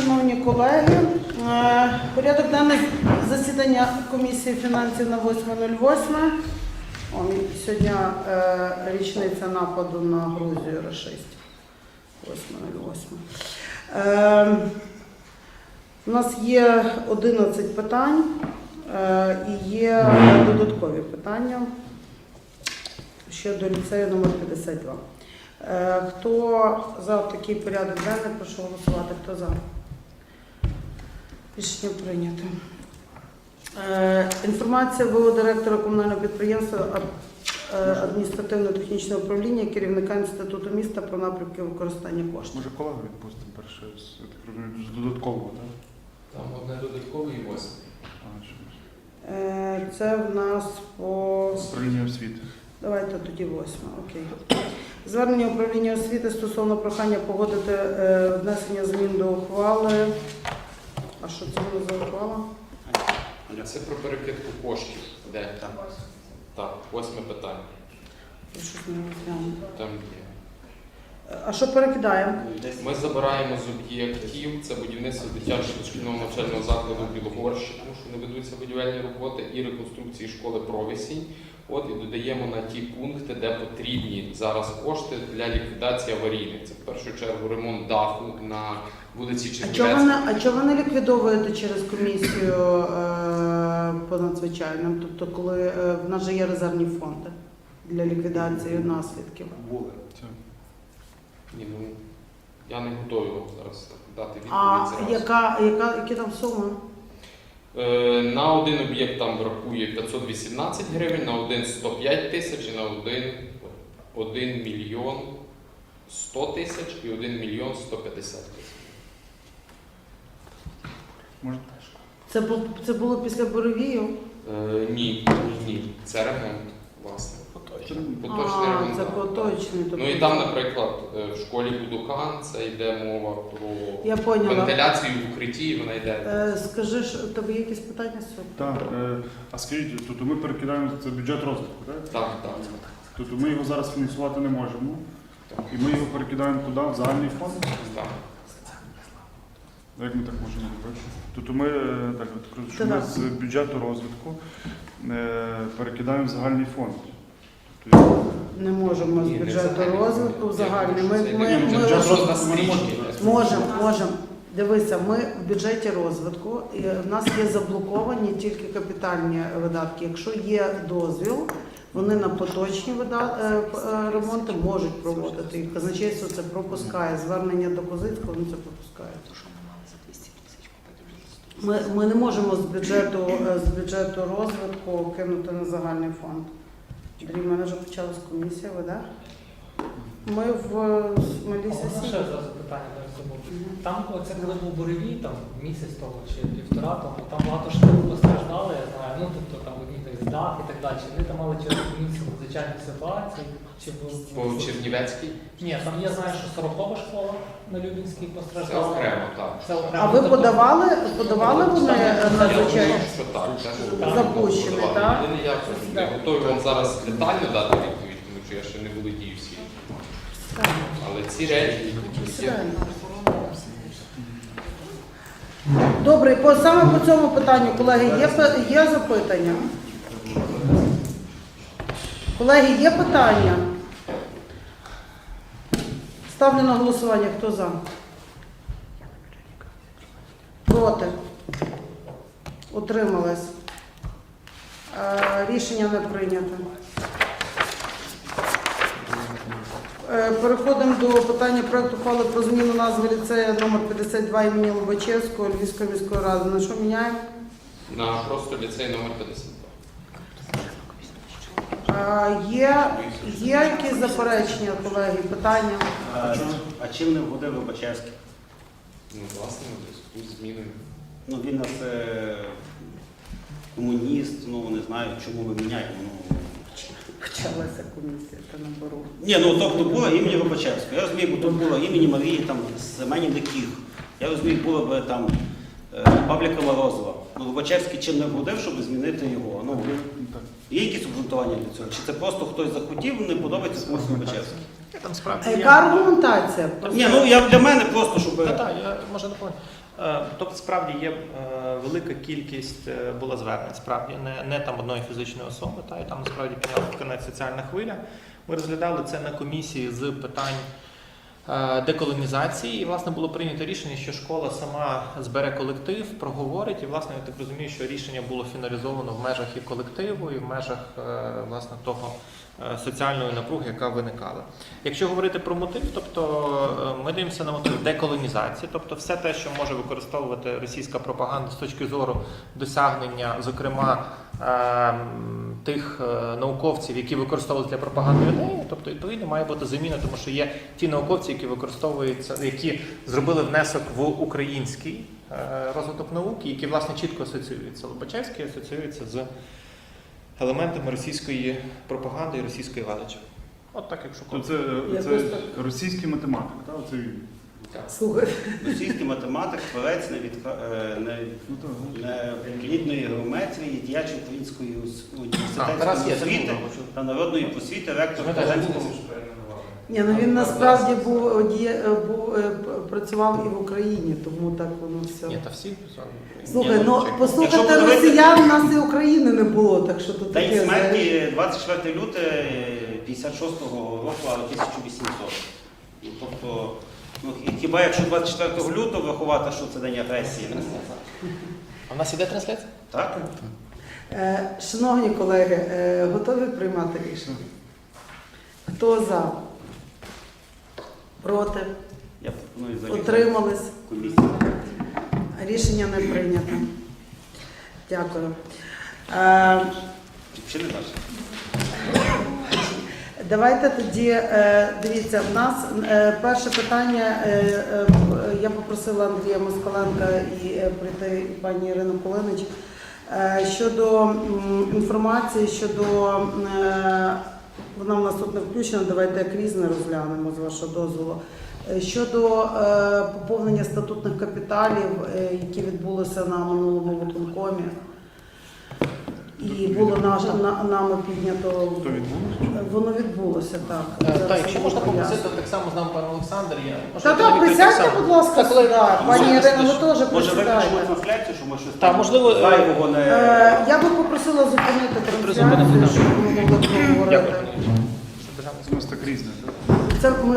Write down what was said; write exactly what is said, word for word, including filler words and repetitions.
шановні колеги. Порядок денний засідання комісії фінансів на восьме нуль восьме. Сьогодні річниця нападу на Грузію рашистів. восьме нуль восьме. У нас є одинадцять питань і є додаткові питання ще до ліцею номер п'ятдесят два. Хто за такий порядок денний, прошу голосувати. Хто за? Рішення прийнято. Інформація ВО директора комунального підприємства адміністративно-технічного управління, керівника інституту міста про напрямки використання коштів. Може колегу відпустимо перше, я так розумію, з додаткового, так? Там одне додаткове і восьме. Це в нас по... Управління освіти. Давайте тоді восьме, окей. Звернення управління освіти стосовно прохання погодити е, внесення змін до ухвали. А що це було за ухвала? Це про перекидку коштів. Де? Там. Так, восьме питання. Я щось не розглянула. Там є. А що перекидаємо? Ми забираємо з об'єктів, це будівництво дитячого дошкільного навчального закладу в Білогорщі, тому що не ведуться будівельні роботи, і реконструкції школи Провісінь. От, і додаємо на ті пункти, де потрібні зараз кошти для ліквідації аварійних. Це в першу чергу ремонт даху на вулиці Чернівецькій. А чого ви, а чого ви не ліквідовуєте через комісію е, по надзвичайним? Тобто, коли е, в нас же є резервні фонди для ліквідації наслідків? Були. Ні, ну, я не готовий вам зараз дати відповідь А зараз. яка, яка, які там суми? Е, на один об'єкт там бракує п'ятсот вісімнадцять гривень, на один сто п'ять тисяч, і на один один мільйон сто тисяч і один мільйон сто п'ятдесят тисяч. Може? Це, бу- це було після буревію? Е, ні, ні, це ремонт, власне. Поточний А, ремонт. це так. поточний. Тобто... Ну і там, наприклад, в школі Будукан це йде мова про Я поняла. вентиляцію в укритті, і вона йде. Е, скажи, що у тебе є якісь питання з цього? Так. Е, а скажіть, тобто ми перекидаємо це бюджет розвитку, так? Так, так. Тобто ми його зараз фінансувати не можемо. І ми його перекидаємо куди? В загальний фонд? так. Як ми так можемо робити? Тобто ми, е, так, от кажу, що Та ми так. з бюджету розвитку е, перекидаємо в загальний фонд. Тобто, Не можемо з Ні, не бюджету загальний. розвитку в загальний. Ми, Це ми, не ми, бюджет ми розвитку, ми не можемо. можемо. можемо, можемо. Дивися, ми в бюджеті розвитку, і в нас є заблоковані тільки капітальні видатки. Якщо є дозвіл, вони на поточні вида- е, е, ремонти можуть проводити. І казначейство це пропускає. Звернення до Козицького, вони це пропускають. Ми, ми не можемо з бюджету, е, з бюджету розвитку кинути на загальний фонд. Андрій, в мене вже почалась комісія, ви, так? Ми в малій Ще сесії. зразу питання до цього. Там, оце коли був буревій, там місяць тому чи півтора тому, там багато ж постраждали, я знаю, ну тобто там одні так дах і так далі. Вони там мали через комісію надзвичайних ситуацій. Чи По Чернівецькій Ні, там я знаю, що сорокова школа на Любінській це постраждала. окремо, так. Це окремо. А ви Тобто, подавали, подавали вони надзвичайно? Що так, це було Запущений, подавано. так? Єдине, я не готовий вам зараз детально дати відповідь, тому що я ще не володію всім. Але ці речі є. Добре, і по, саме по цьому питанню, колеги, є, пе- є запитання? Колеги, є питання? Ставлю на голосування. Хто за? Проти? Утримались? Е, Рішення не прийнято. Е, Переходимо до питання проекту ухвали про зміну назви ліцею номер п'ятдесят два імені Лобачевського Львівської міської ради. На що міняємо? На просто ліцей номер п'ятдесят два. Е, Є, є якісь заперечення, колеги, питання? А, а чим не вгодив Лобачевський? Ну, власне, у зв'язку з зміною. Ну, він у нас е, комуніст, ну не знаю, чому ми міняємо. Ну, Почалася комісія, та набору. ні, ну тобто було імені Лобачевського. Я розумію, бо тут було імені Марії, там, Семенів Диких. Я розумію, було б там е, Павліка Морозова. Ну, Лобачевський чим не вгодив, щоб змінити його. Ну, є якісь обґрунтування для цього? Чи це просто хтось захотів, не подобається комусь Лобачевський? А яка аргументація? Ні, ну я для мене просто, щоб... Так, так, я може доповню. Е, Тобто, справді є е, велика кількість е, була звернень, справді не, не там одної фізичної особи, та і там насправді підняла конець соціальна хвиля. Ми розглядали це на комісії з питань е, деколонізації, і власне було прийнято рішення, що школа сама збере колектив, проговорить, і власне я так розумію, що рішення було фіналізовано в межах і колективу, і в межах е, власне того е, соціальної напруги, яка виникала. Якщо говорити про мотив, тобто е, ми дивимося на мотив деколонізації, тобто все те, що може використовувати російська пропаганда з точки зору досягнення, зокрема, е, тих е, науковців, які використовують для пропаганди ідеї, тобто відповідно має бути заміна, тому що є ті науковці, які використовуються, які зробили внесок в український е, розвиток науки, які власне чітко асоціюються. Лобачевський асоціюється з елементами російської пропаганди і російської величі. От так, якщо То це, це Якось так. російський математик, так? Оце він. Слухай, Російський математик, творець невідка- е, не- Ну, так. неплідної геометрії, діяч української А, Тарас університетської є, освіти це було. та народної просвіти, ректор Казанського. ні, ну він насправді був, одіє- був е, працював і в Україні, тому так воно все. Ні, та всі писали. Слухай, Ні, ну чекай. послухайте Якщо подивитися- росіян, у нас і України не було, так що тут День таке. знаєш. смерті двадцять четвертого лютого п'ятдесят шостого року, а тисяча вісімсот. Ну, тобто, ну, хіба якщо двадцять четвертого лютого врахувати, що це день агресії? Ну, А в нас іде трансляція? так? Е, Шановні колеги, е, готові приймати рішення? Хто за? Проти? Я пропоную залізти Утримались? в комісію. Рішення не прийнято. Дякую. Е, Чи не бачите? Давайте тоді, е, дивіться, в нас е, перше питання, е, е, я попросила Андрія Москаленка і е, прийти і пані Ірину Кулинич, е, щодо м, інформації, щодо, е, вона в нас тут не включена, давайте як різне розглянемо, з вашого дозволу, Е, щодо е, поповнення статутних капіталів, е, які відбулися на минулому виконкомі. І було наш, на, нами піднято. То відбулося? Воно відбулося, так. Е, Зараз Так, якщо я можна поясню. попросити так само з нами пан Олександр. Я Та так, присядьте, будь ласка, Так, коли- сюди. Пані Може, Ірина, ви теж Може присідайте. виключимо трансляцію, що ми щось Та, там можливо, е, зайвого не... Е, Я би попросила зупинити трансляцію, Призупинити, так. щоб ми могли поговорити. Дякую. У нас так різне, так? Це ми